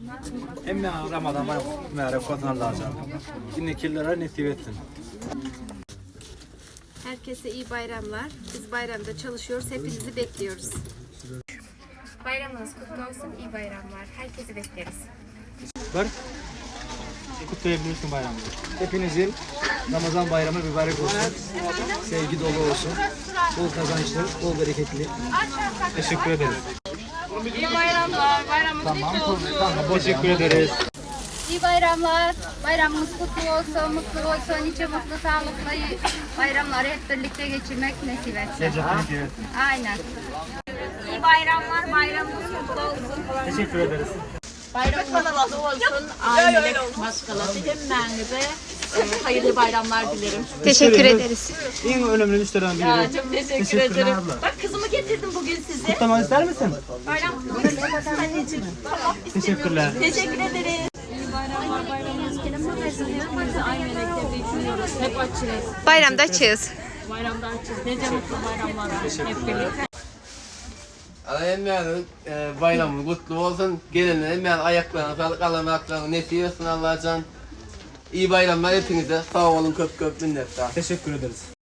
Emme Ramazan bayramı mübarek olsun Allah'a. Yine kirlere nasip etsin. Herkese iyi bayramlar. Biz bayramda çalışıyoruz. Hepinizi bekliyoruz. Bayramınız kutlu olsun. İyi bayramlar. Herkesi bekleriz. Var. Kutlayabilirsin bayramı. Hepinizin Ramazan bayramı mübarek olsun. Sevgi dolu olsun. Bol kazançlı, bol bereketli. Teşekkür ederiz. İyi bayramlar. Bayramınız kutlu olsun. Tamam, teşekkür ederiz. İyi bayramlar. Bayramımız kutlu olsun, mutlu olsun, nice mutlu, sağlıklı bayramları hep birlikte geçirmek nasip etsin. Aynen. İyi bayramlar, bayramımız kutlu olsun. Teşekkür ederiz. Bayramınız kutlu olsun. Ailelik maskalatı hemmenize hayırlı bayramlar dilerim. Teşekkür ederiz. En önemli müşteriden biri. Ya, çok teşekkür Teşekkürler ederim. abla. Bak kızımı getirdim bugün size. Kutlamak ister misin? Bayram anneciğim. Tamam, Teşekkürler. teşekkür ederiz. Hep açığız. Bayramda açığız. Bayramda açığız. Nice mutlu bayramlar. Hep birlikte. Emmeğinin bayramı kutlu olsun. Gelenler emmeğin ayaklarına sağlık, Allah'ın ayaklarına nesip etsin Allah'a can. İyi bayramlar hepinize. Sağ olun, köp köp minnettar. Teşekkür ederiz.